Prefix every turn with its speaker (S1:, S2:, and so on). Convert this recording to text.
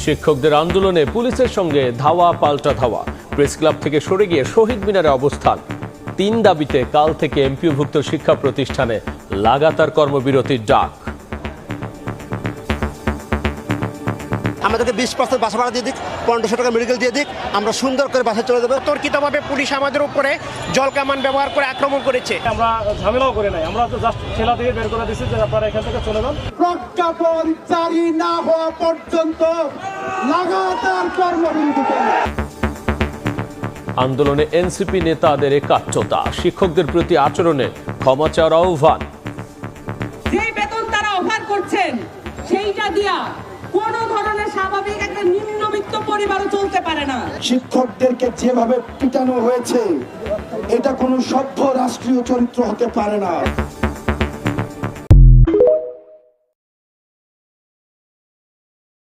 S1: শিক্ষকদের আন্দোলনে পুলিশের সঙ্গে ধাওয়া পাল্টা ধাওয়া। প্রেস ক্লাব থেকে সরে গিয়ে শহীদ মিনারে অবস্থান। 3 দাবিতে কাল থেকে এমপিওভুক্ত শিক্ষা প্রতিষ্ঠানে লাগাতার কর্মবিরতির ডাক।
S2: আমাদেরকে 20% বাসা ভাড়া দিয়ে দিক, 1500 টাকা মেডিকেল দিয়ে দিক, আমরা সুন্দর করে বাসায় চলে যাবো।
S3: তর্কিতভাবে পুলিশ আমাদের উপরে জল কামান ব্যবহার করে আক্রমণ করেছে।
S4: আমরা ঝামেলাও করে নাই, আমরা তো জাস্ট ঠেলা দিয়ে বের করে দিচ্ছি যে আপনারা এখান থেকে চলে যান।
S5: প্রজ্ঞাপন জারি না হওয়া পর্যন্ত লাগাতার কর্মবিরতি।
S1: আন্দোলনে এনসিপি নেতাদের একাত্মতা, শিক্ষকদের প্রতি আচরণে ক্ষমা চাওয়ার আহ্বান।
S6: যে বেতন তারা অফার করছেন সেইটা দিয়া কোন ধরনের স্বাভাবিক একটা নিম্নবিত্ত পরিবারও চলতে পারে না।
S5: শিক্ষকদেরকে যেভাবে পিটানো হয়েছে এটা কোনো সভ্য রাষ্ট্রীয় চরিত্র হতে পারে না।